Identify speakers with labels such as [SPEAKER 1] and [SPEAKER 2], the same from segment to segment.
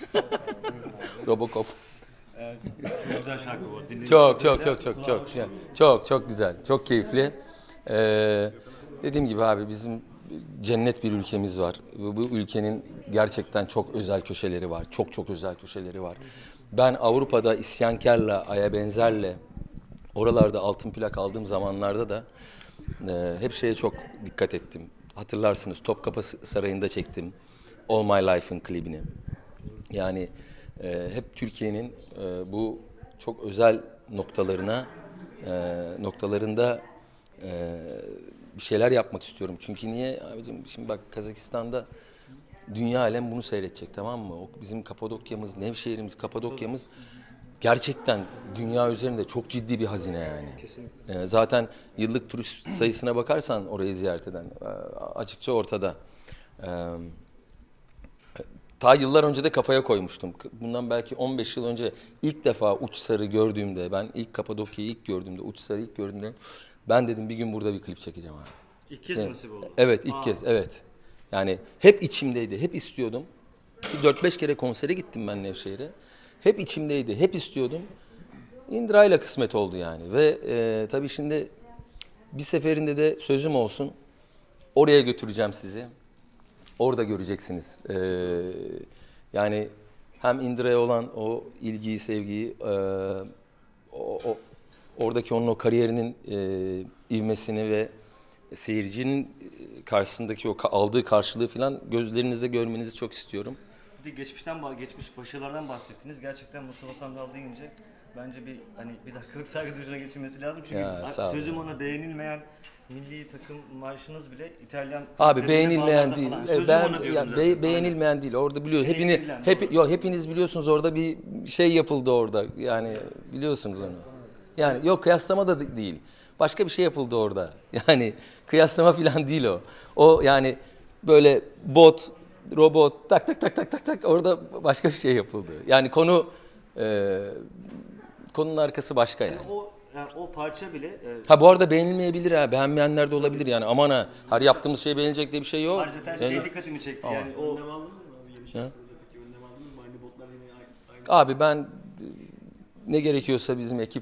[SPEAKER 1] Robocop.
[SPEAKER 2] Evet, çok güzel şarkı bu. Dinlediğiniz
[SPEAKER 1] Çok
[SPEAKER 2] kadarıyla
[SPEAKER 1] çok
[SPEAKER 2] kulağa hoş geliyor.
[SPEAKER 1] çok güzel, çok keyifli. Dediğim gibi abi bizim cennet bir ülkemiz var. Bu ülkenin gerçekten çok özel köşeleri var. Çok özel köşeleri var. Ben Avrupa'da isyankarla, Aya Benzer'le oralarda altın plak aldığım zamanlarda da hep şeye çok dikkat ettim. Hatırlarsınız Topkapı Sarayı'nda çektim All My Life'ın klibini. Yani hep Türkiye'nin bu çok özel noktalarında bir şeyler yapmak istiyorum. Çünkü niye abicim şimdi bak Kazakistan'da dünya alem bunu seyredecek, tamam mı? O bizim Kapadokya'mız, Nevşehir'imiz, Kapadokya'mız gerçekten dünya üzerinde çok ciddi bir hazine yani. Zaten yıllık turist sayısına bakarsan orayı ziyaret eden açıkça ortada. E, Ta yıllar önce de kafaya koymuştum. Bundan belki 15 yıl önce ilk defa Uçsar'ı gördüğümde, ben ilk Kapadokya'yı ilk gördüğümde, Uçsar'ı ilk gördüğümde ben dedim bir gün burada bir klip çekeceğim abi.
[SPEAKER 2] İlk kez
[SPEAKER 1] Evet.
[SPEAKER 2] nasip oldu.
[SPEAKER 1] Evet, ilk kez, evet. Yani hep içimdeydi, hep istiyordum. 4-5 kere konsere gittim ben Nevşehir'e. Hep içimdeydi, hep istiyordum. İndirayla kısmet oldu yani. Ve tabii şimdi bir seferinde de sözüm olsun, oraya götüreceğim sizi. Orada göreceksiniz. Yani hem Indra'ya olan o ilgiyi, sevgiyi, oradaki onun o kariyerinin ivmesini ve seyircinin karşısındaki o aldığı karşılığı falan gözlerinizde görmenizi çok istiyorum.
[SPEAKER 2] Bir de geçmiş başarılardan bahsettiniz. Gerçekten Mustafa Sandal deyince bence bir dakikalık saygı duruşuna geçilmesi lazım. Çünkü
[SPEAKER 1] Ya, sağ olun.
[SPEAKER 2] sözüm ona beğenilmeyen milli takım marşınız bile İtalyan
[SPEAKER 1] Abi
[SPEAKER 2] kulüplerinde,
[SPEAKER 1] beğenilmeyen
[SPEAKER 2] bağlarda
[SPEAKER 1] değil.
[SPEAKER 2] falan. Sözüm
[SPEAKER 1] Ben
[SPEAKER 2] ona diyorum
[SPEAKER 1] ya,
[SPEAKER 2] zaten.
[SPEAKER 1] beğenilmeyen değil. Orada biliyor.
[SPEAKER 2] Eleştirilen, doğru.
[SPEAKER 1] Hepiniz biliyorsunuz orada bir şey yapıldı orada. Yani biliyorsunuz onu. Yani yok kıyaslama da değil. Başka bir şey yapıldı orada. Yani kıyaslama falan değil o. O yani böyle robot tak orada başka bir şey yapıldı. Yani konunun arkası başka yani.
[SPEAKER 2] O parça bile
[SPEAKER 1] Ha bu arada beğenilmeyebilir ha. Beğenmeyenler de olabilir yani. Aman ha. Her yaptığımız şey beğenilecek diye bir şey yok.
[SPEAKER 2] ayrıca şey dikkatimi çekti. Yani o
[SPEAKER 3] Önlem aldınız mı abi? Yeni şarkılardaki önlem aldınız mı? Aynı botlar yine aynı.
[SPEAKER 1] Abi ben ne gerekiyorsa bizim ekip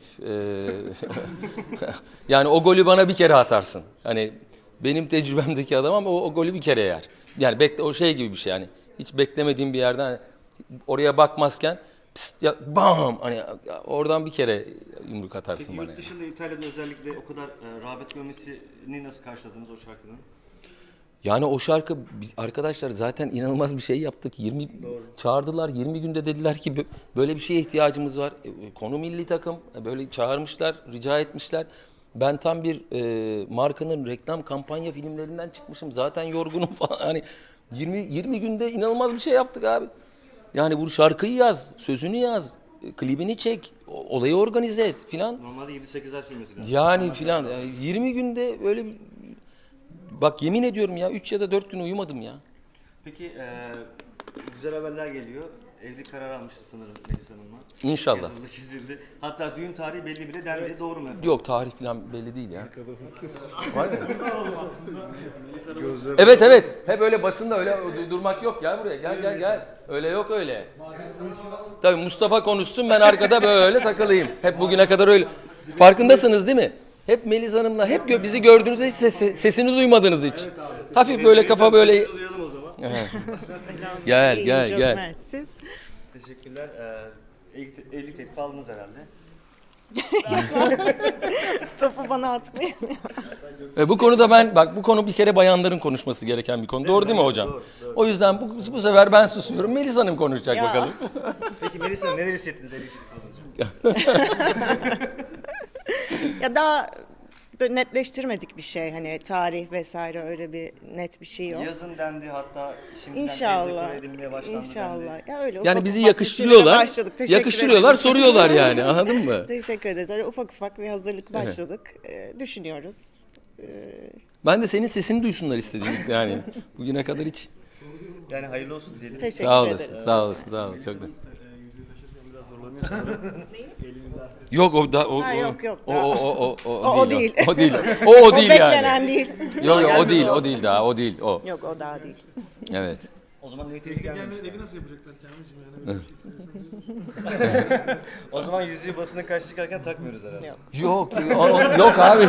[SPEAKER 1] yani o golü bana bir kere atarsın. Hani benim tecrübemdeki adam ama o golü bir kere yer. Yani o şey gibi bir şey yani. Hiç beklemediğim bir yerden hani oraya bakmazken pst ya bam hani oradan bir kere yumruk atarsın
[SPEAKER 2] Peki
[SPEAKER 1] bana.
[SPEAKER 2] yurt
[SPEAKER 1] Yani.
[SPEAKER 2] dışında İtalya'da özellikle o kadar rağbet görmesini nasıl karşıladınız o şarkının?
[SPEAKER 1] Yani o şarkı arkadaşlar zaten inanılmaz bir şey yaptık. Çağırdılar 20 günde dediler ki böyle bir şeye ihtiyacımız var. Konu milli takım böyle çağırmışlar, rica etmişler. Ben tam bir markanın reklam kampanya filmlerinden çıkmışım. Zaten yorgunum falan. Hani 20 günde inanılmaz bir şey yaptık abi. Yani bu şarkıyı yaz, sözünü yaz, klibini çek, olayı organize et filan.
[SPEAKER 2] Normalde 7-8 ay sürmesi lazım.
[SPEAKER 1] Yani filan 20 günde böyle bak yemin ediyorum ya 3 ya da 4 gün uyumadım ya.
[SPEAKER 2] Peki güzel haberler geliyor. Evlilik kararı almıştı sanırım Melis Hanım'la.
[SPEAKER 1] İnşallah.
[SPEAKER 2] Yazıldı, çizildi. Hatta düğün tarihi belli bile dendi. Evet. Doğru mu efendim?
[SPEAKER 1] Yok tarih falan belli değil ya. Var mı? Evet. Hep öyle basında öyle durmak yok. Gel buraya gel. Öyle yok öyle. Tabii Mustafa konuşsun ben arkada böyle takılayım. Hep bugüne kadar öyle. Farkındasınız değil mi? Hep Melis Hanım'la hep bizi gördüğünüzde hiç sesini duymadınız hiç. Hafif böyle kafa böyle.
[SPEAKER 2] Sesinizi duyalım o zaman.
[SPEAKER 1] Gel.
[SPEAKER 4] Mersiz.
[SPEAKER 2] Teşekkürler. Evlilik teklifi aldınız herhalde.
[SPEAKER 4] Topu bana atmayın.
[SPEAKER 1] Bu konuda bu konu bir kere bayanların konuşması gereken bir konu. Doğru değil mi hocam?
[SPEAKER 2] Doğru.
[SPEAKER 1] O yüzden bu sefer ben susuyorum. Melis Hanım konuşacak
[SPEAKER 4] Ya.
[SPEAKER 1] bakalım.
[SPEAKER 2] Peki Melis Hanım neler hissettiniz evlilik teklifi alınca?
[SPEAKER 4] Ya daha böyle netleştirmedik bir şey, hani tarih vesaire, öyle bir net bir şey yok.
[SPEAKER 2] Yazın dendi, hatta şimdiden
[SPEAKER 4] İnşallah.
[SPEAKER 2] dekore edilmeye başlandı dendi.
[SPEAKER 4] İnşallah. Ya öyle
[SPEAKER 1] Yani
[SPEAKER 4] ufak
[SPEAKER 1] bizi
[SPEAKER 4] ufak
[SPEAKER 1] yakıştırıyorlar.
[SPEAKER 4] bir şeylere başladık. Teşekkür
[SPEAKER 1] Yakıştırıyorlar,
[SPEAKER 4] ederim.
[SPEAKER 1] soruyorlar yani. Anladın mı?
[SPEAKER 4] Teşekkür ederiz. Öyle ufak ufak bir hazırlık başladık. Düşünüyoruz.
[SPEAKER 1] Ben de senin sesini duysunlar istedim yani. Bugüne kadar hiç.
[SPEAKER 2] Yani hayırlı olsun diyelim.
[SPEAKER 4] Teşekkür
[SPEAKER 1] Sağ
[SPEAKER 4] ederiz.
[SPEAKER 1] olasın. Sağ olasın. Çok da.
[SPEAKER 3] Yüzüğü taşırken biraz zorlanıyor sanırım. Elinizi artık.
[SPEAKER 1] Yok o
[SPEAKER 4] Ha, yok,
[SPEAKER 1] o
[SPEAKER 4] değil.
[SPEAKER 1] değil. O değil. O değil yani.
[SPEAKER 4] beklenen değil.
[SPEAKER 1] Yok o değil daha. O değil o.
[SPEAKER 4] Yok, o daha değil.
[SPEAKER 1] Evet.
[SPEAKER 2] O zaman negatif
[SPEAKER 3] Teknik
[SPEAKER 2] gelmemiş.
[SPEAKER 3] gelmedi evi nasıl yapacaklar Kamil'cim yani öyle bir şey istersen.
[SPEAKER 2] O zaman yüzüğü basına karşı çıkarken takmıyoruz herhalde.
[SPEAKER 4] Yok.
[SPEAKER 1] Yok, yok abi.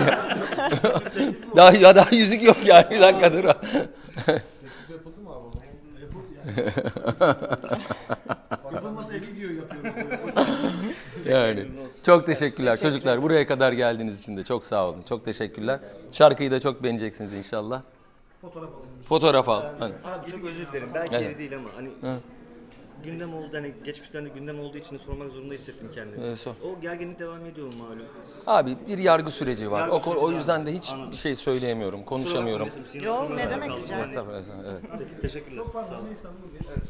[SPEAKER 1] daha yüzük yok yani. Bir dakika dur.
[SPEAKER 3] Teklif yapıldı mı abi? Yapıldı yani. Yapılmasa video yapıyorum.
[SPEAKER 1] Yani çok teşekkürler çocuklar. Buraya kadar geldiğiniz için de çok sağ olun. Çok teşekkürler. Şarkıyı da çok beğeneceksiniz inşallah.
[SPEAKER 3] Fotoğraf alalım.
[SPEAKER 1] Fotoğraf al. Hani.
[SPEAKER 2] Abi çok özür dilerim. Belki
[SPEAKER 1] Evet.
[SPEAKER 2] yeri değil ama hani
[SPEAKER 1] Hı.
[SPEAKER 2] gündem oldu hani geçmişten de gündem olduğu için sormak zorunda hissettim kendimi.
[SPEAKER 1] Sor.
[SPEAKER 2] O gerginlik devam ediyor mu malum?
[SPEAKER 1] Abi bir yargı süreci var.
[SPEAKER 2] Yargı süreci
[SPEAKER 1] O
[SPEAKER 2] var.
[SPEAKER 1] yüzden de hiç
[SPEAKER 2] Anladım.
[SPEAKER 1] bir şey söyleyemiyorum, konuşamıyorum.
[SPEAKER 2] Kusura bakma,
[SPEAKER 4] Yok,
[SPEAKER 2] sormadan
[SPEAKER 4] ne demek
[SPEAKER 2] kaldım.
[SPEAKER 4] rica ederim.
[SPEAKER 1] Estağfurullah. Evet.
[SPEAKER 2] Teşekkürler.
[SPEAKER 3] Çok pardon Nisan bu geç.